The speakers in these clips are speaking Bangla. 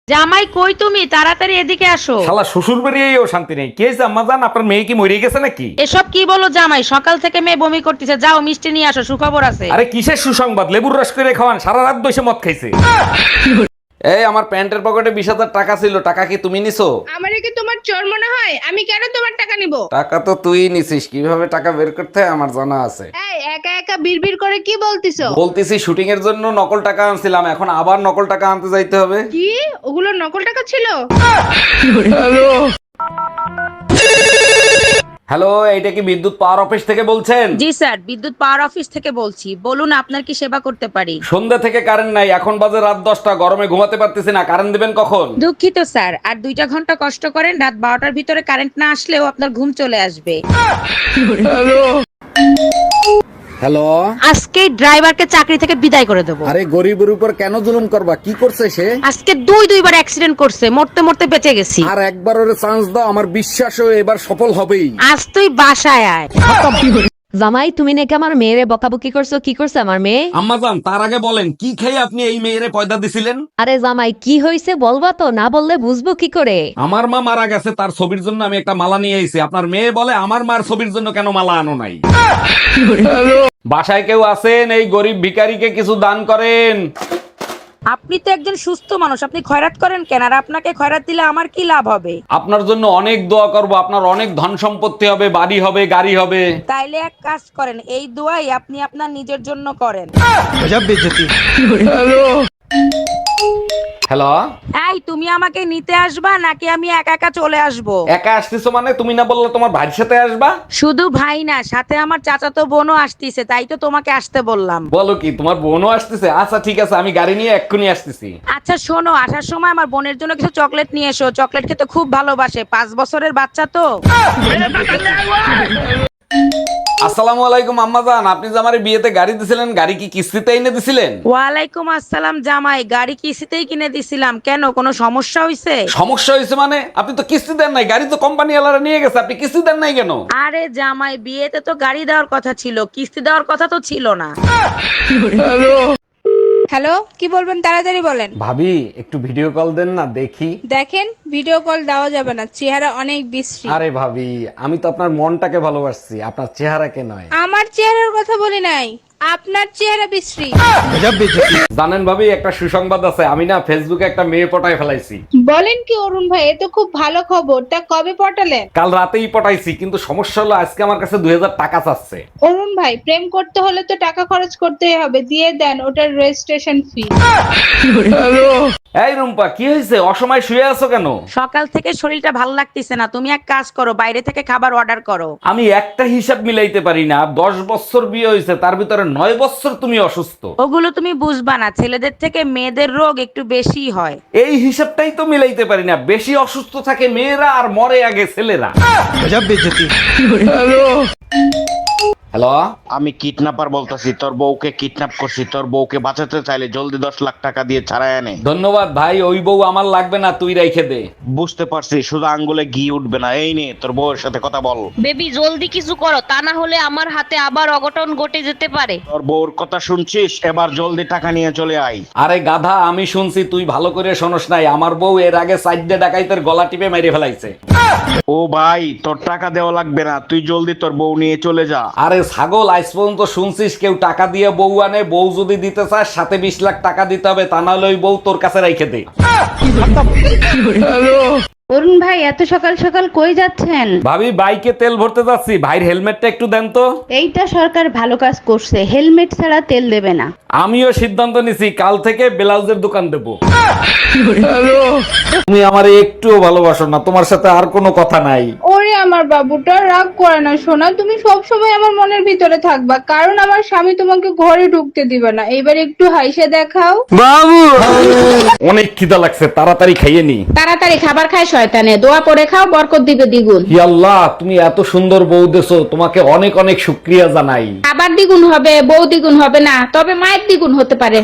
জামাই কই তুমি তাড়াতাড়ি এদিকে আসো। শালা শ্বশুর বাড়িয়েও শান্তি নেই। কে আম্মা জান, আপনার মেয়ে কি মরে গেছে নাকি? এসব কি বলো জামাই, সকাল থেকে মেয়ে বমি করতেছে, যাও মিষ্টি নিয়ে আসো, সুখবর আছে। আরে কিসের সুসংবাদ? লেবুর রস করে খাওয়ান, সারা রাত বসে মদ খাইছে। এই আমার প্যান্টের পকেটে 20,000 টাকা ছিল, টাকা কি তুমি নিছো? আমারে কি তোমার চোর মনে হয়? আমি কেন তোমার টাকা নিব? টাকা তো তুই নিছিস, কিভাবে টাকা বের করতে হয় আমার জানা আছে। এই একা একা বিড়বিড় করে কি বলতিছো? বলতেছি শুটিং এর জন্য নকল টাকা আনছিলাম, এখন আবার নকল টাকা আনতে যাইতে হবে। কি ওগুলো নকল টাকা ছিল? হ্যালো, এইটা কি বিদ্যুৎ পাওয়ার অফিস থেকে বলছেন? জি স্যার, বিদ্যুৎ পাওয়ার অফিস থেকে বলছি, বলুন আপনার কি সেবা করতে পারি। সন্ধ্যা থেকে কারেন্ট নাই, এখন বাজে রাত 10টা, গরমে ঘুমাতে পারতেছি না, কারেন্ট দিবেন কখন? দুঃখিত স্যার, আর 2টা ঘন্টা কষ্ট করেন, রাত 12টার ভিতরে কারেন্ট না আসলেও আপনার ঘুম চলে আসবে। হ্যালো, আজকে ড্রাইভারকে চাকরি থেকে বিদায় করে দেবো। আরে গরিবের উপর কেন জুলুম করবা? কি করছে সে? আজকে দুইবার অ্যাক্সিডেন্ট করছে, মরতে মরতে বেঁচে গেছি। আর একবার ওরে চান্স দাও, আমার বিশ্বাস ও এবার সফল হবেই। আজ তুই বাসায় আয়। জামাই, তুমি নাকি আমার মেয়েরে বকাবকি করছো? কি করছে আমার মেয়ে? আম্মাজান, তার আগে বলেন কি খেয়ে আপনি এই মেয়েরে পয়দা দিছিলেন? আরে জামাই, কি হয়েছে বলবা তো, না বললে বুঝবো কি করে? আমার মা মারা গেছে, তার ছবির জন্য আমি একটা মালা নিয়ে এসেছি। আপনার মেয়ে বলে আমার মার ছবির জন্য কেন মালা আনো নাই? বাসায় কেউ আছেন? এই গরিব ভিখারিকে কিছু দান করেন। আপনি তো একজন সুস্থ মানুষ, আপনি খয়রাত করেন কেন? আর আপনাকে খয়রাত দিলে আমার কি লাভ হবে? আপনার জন্য অনেক দোয়া করব, আপনার অনেক ধন সম্পত্তি হবে, বাড়ি হবে, গাড়ি হবে। তাইলে এক কাজ করেন, এই দোয়াই আপনি আপনার নিজের জন্য করেন। হ্যালো, এই তুমি আমাকে নিতে আসবা নাকি আমি একা একা চলে আসবো? একা আসতেছো মানে? তুমি না বললে তোমার ভাইয়ের সাথে আসবা? শুধু ভাই না, সাথে আমার চাচাতো বোনও আসতিছে, তাই তো তোমাকে আসতে বললাম। বলো কি, তোমার বোনও আসতেছে? আচ্ছা ঠিক আছে, আমি গাড়ি নিয়ে এক্ষুনি আসতেছি। আচ্ছা শোনো, আসার সময় আমার বোনের জন্য কিছু চকলেট নিয়ে এসো, চকলেট খেতে খুব ভালোবাসে, 5 বছরের বাচ্চা তো। আসসালামু আলাইকুম আম্মাজান, আপনি যে আমার বিয়েতে গাড়ি দিছিলেন, গাড়ি কি কিস্তিতে এনে দিছিলেন? ওয়ালাইকুম আসসালাম জামাই, গাড়ি কিস্তিতেই কিনে দিছিলাম, কেন কোনো সমস্যা হয়েছে? সমস্যা হয়েছে মানে? আপনি তো কিস্তি দেন নাই, গাড়ি তো কোম্পানি ওয়ালারা নিয়ে গেছে, আপনি কিস্তি দেন নাই কেন? আরে জামাই, বিয়েতে তো গাড়ি দেওয়ার কথা ছিল, কিস্তি দেওয়ার কথা তো ছিল না। হ্যালো, কি বলবেন তাড়াতাড়ি বলেন। ভাবি একটু ভিডিও কল দেন না, দেখি। দেখেন, ভিডিও কল দেওয়া যাবে না, চেহারা অনেক বিশ্রী। আরে ভাবি, আমি তো আপনার মনটাকে ভালোবাসছি, আপনার চেহারাকে নয়। আমার চেহারার কথা বলি নাই, আপনার চেহারা বিশ্রী। জানেন ভাবি, একটা সুসংবাদ আছে, আমি না ফেসবুকে একটা মেয়ে পটায় ফেলাইছি। বলেন কি অরুণ ভাই, এ তো খুব ভালো খবর। তা কবে পটালেন? কাল রাতেই পটাইছি, কিন্তু সমস্যা হলো আজকে আমার কাছে 2000 টাকা চাচ্ছে। অরুণ ভাই, প্রেম করতে হলে তো টাকা খরচ করতেই হবে, দিয়ে দেন ওটার রেজিস্ট্রেশন ফি। এই রুম্পা, কি হয়েছে? অসময় শুয়ে আছো কেন? সকাল থেকে শরীরটা ভালো লাগতেছে না, তুমি এক কাজ করো, বাইরে থেকে খাবার অর্ডার করো। আমি একটা হিসাব মিলাইতে পারি না, 10 বছর বিয়ে হয়েছে, তার ভিতরে 9 বছর তুমি অসুস্থ। ওগুলো তুমি বুঝবা না, ছেলেদের থেকে মেয়েদের রোগ একটু বেশি হয়। এই হিসাবটাই তো মিলাইতে পারি না, বেশি অসুস্থ থাকে মেয়েরা আর মরে আগে ছেলেরা। হ্যালো, আমি কিডন্যাপার বলতেছি, তোর বউকে কিডন্যাপ করছি। তোর বউকে বাঁচাতে চাইলে জলদি 10 লাখ টাকা দিয়ে ছাড়াই আনে। ধন্যবাদ ভাই, ওই বউ আমার লাগবে না, তুই রেখে দে। বুঝতে পারছি, শুধু আঙ্গুলে ঘি উঠবে না। এই নে, তোর বউয়ের সাথে কথা বল। বেবি জলদি কিছু করো, তা না হলে আমার হাতে আবার অঘটন ঘটে যেতে পারে। তোর বউর কথা শুনছিস? এবার জলদি টাকা নিয়ে চলে আয়। আরে গাধা, আমি শুনছি, তুই ভালো করে শোনস নাই। আমার বউ এর আগে সাইডে ডাকাইতের গলা টিপে মেরে ফেলাইছে। ও ভাই, তোর টাকা দেওয়া লাগবে না, তুই জলদি তোর বউ নিয়ে চলে যা। আরে ছাগল, আজ পর্যন্ত শুনছিস কেউ টাকা দিয়ে বউ আনে? বউ যদি দিতে চাস সাথে 20 লাখ টাকা দিতে হবে, তা নাহলে ওই বউ তোর কাছে রেখে দে। অরুণ ভাই, এত সকাল সকাল কই যাচ্ছেন? ভাবি বাইকে তেল ভরতে যাচ্ছি, ভাইয়ের হেলমেটটা একটু দেন তো। এইটা সরকার ভালো কাজ করছে, হেলমেট ছাড়া তেল দেবে না। আমিও সিদ্ধান্ত নিছি, কাল থেকে ব্লাউজের দোকান দেব। তুমি আমারে একটুও ভালোবাসো না, তোমার সাথে আর কোনো কথা নাই। ওরে আমার বাবুটা, রাগ করে না সোনা, তুমি সব সময় আমার মনের ভিতরে থাকবা, কারণ আমার স্বামী তোমাকে ঘরে ঢুকতে দিবে না। এবার একটু হাইসে দেখাও। অনেক খিদা লাগছে, তাড়াতাড়ি খাইয়ে নি। তাড়াতাড়ি খাবার খায় শয়তানে, দোয়া পড়ে খাও, বরকত দিবে দ্বিগুণ। হি আল্লাহ, তুমি এত সুন্দর বউ দেছো, তোমাকে অনেক অনেক শুকরিয়া জানাই। খাবার দ্বিগুণ হবে, বউ দ্বিগুণ হবে না, তবে মায়ের দ্বিগুণ হতে পারে।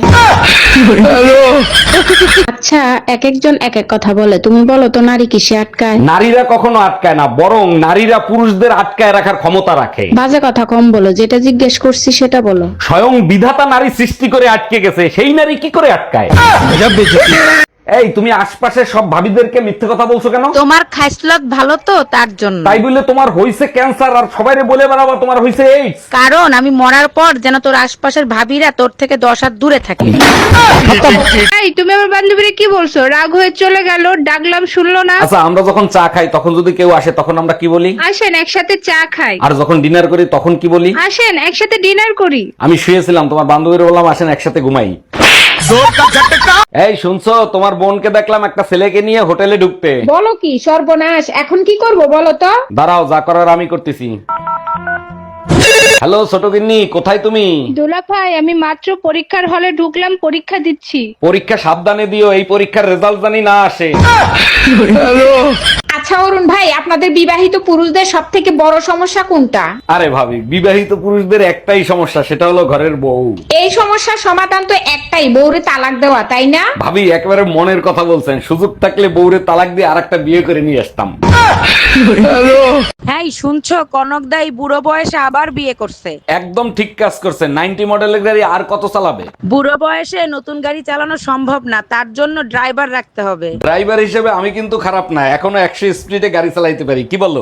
আচ্ছা, এক একজন এক এক কথা বলে, তুমি বলো তো নারী কিসে আটকায়? নারীরা কখনো আটকায় না, বরং নারীরা পুরুষদের আটকায় রাখার ক্ষমতা রাখে। বাজে কথা কম বলো, যেটা জিজ্ঞেস করছি সেটা বলো। স্বয়ং বিধাতা নারী সৃষ্টি করে আটকে গেছে, সেই নারী কি করে আটকায়? এই তুমি আশপাশের সব ভাবিদেরকে মিথ্যে কথা বলছো কেন? তোমার খাইসলত ভালো তো তার জন্য। তাই বলে তোমার হইছে ক্যান্সার আর সবাইরে বলে বেড়াবো তোমার হইছে এইডস? কারণ আমি মরার পর যেন তোর আশপাশের ভাবিরা তোর থেকে 10 হাত দূরে থাকে। এই তুমি আমার বান্ধবীরে কি বলছো? রাগ হয়ে চলে গেল, ডাকলাম শুনলো না। আচ্ছা, আমরা যখন চা খাই তখন যদি কেউ আসে তখন আমরা কি বলি? আসেন একসাথে চা খাই। আর যখন ডিনার করি তখন কি বলি? আসেন একসাথে ডিনার করি। আমি শুয়েছিলাম, তোমার বান্ধবীর বললাম আসেন একসাথে ঘুমাই। এই শুনছো, তোমার বোনকে দেখলাম একটা ছেলেকে নিয়ে হোটেলে ঢুকতে। বলো কি সর্বনাশ, এখন কি করব বলো তো? দাঁড়াও, যা করার আমি করতেছি। হ্যালো ছোট গিন্নি, কোথায় তুমি? দোলা ভাই, আমি মাত্র পরীক্ষার হলে ঢুকলাম, পরীক্ষা দিচ্ছি। পরীক্ষা সাবধানে দিও, এই পরীক্ষার রেজাল্ট জানি না আসে। আচ্ছা অরুণ ভাই, আপনাদের বিবাহিত পুরুষদের সব থেকে বড় সমস্যা কোনটা? আরে ভাবি, বিবাহিত পুরুষদের একটাই সমস্যা, সেটা হলো ঘরের বউ। এই সমস্যার সমাধান তো একটাই, বউরে তালাক দেওয়া, তাই না? ভাবি একেবারে মনের কথা বলছেন, সুযোগ থাকলে বউরে তালাক দিয়ে আরেকটা বিয়ে করে নিয়ে আসতাম। হ্যাঁ শুনছো, কনক দাই বুড়ো বয়সে আবার বিয়ে করছে। একদম ঠিক কাজ করছে, 90 মডেলের গাড়ি আর কত চালাবে? বুড়ো বয়সে নতুন গাড়ি চালানো সম্ভব না, তার জন্য ড্রাইভার রাখতে হবে। ড্রাইভার হিসেবে আমি কিন্তু খারাপ না, এখনো 100 স্পিডে গাড়ি চালাইতে পারি, কি বলো?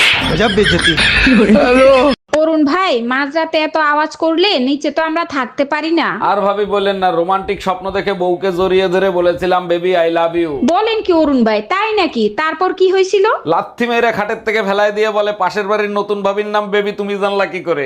অরুণ ভাই, মাঝরাতে এত আওয়াজ করলে নিচে তো আমরা থাকতে পারি না। আর ভাবি বলেন না, রোমান্টিক স্বপ্ন দেখে বউকে জড়িয়ে ধরে বলেছিলাম বেবি আই লাভ ইউ। বলেন কি অরুণ ভাই, তাই নাকি? তারপর কি হয়েছিল? লাথি মেরে খাটের থেকে ফেলায় দিয়ে বলে পাশের বাড়ির নতুন ভাবির নাম বেবি, তুমি জানলা কি করে?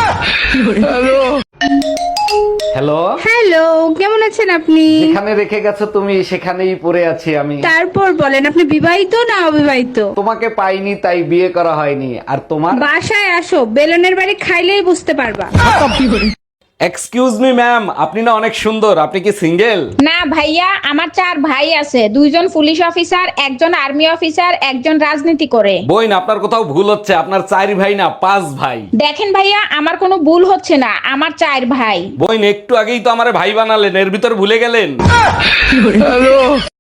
হ্যালো, হ্যালো, কেমন আছেন আপনি? যেখানে রেখে গেছো তুমি সেখানেই পড়ে আছি আমি। তারপর বলেন, আপনি বিবাহিত না অবিবাহিত? তোমাকে পাইনি তাই বিয়ে করা হয়নি। আর তোমার? বাসায় আসো, বেলনের বাড়ি খাইলেই বুঝতে পারবা। এক্সকিউজ মি ম্যাম, আপনি না অনেক সুন্দর, আপনি কি সিঙ্গেল? না ভাইয়া, আমার 4 ভাই আছে, 2জন পুলিশ অফিসার, একজন আর্মি অফিসার, একজন রাজনীতি করে। বইন, আপনার কোথাও ভুল হচ্ছে, আপনার 4 ভাই না 5 ভাই। দেখেন ভাইয়া, আমার কোনো ভুল হচ্ছে না, আমার 4 ভাই। বইন, একটু আগেই তো আমারে ভাই বানালেন, এর ভিতর ভুলে গেলেন?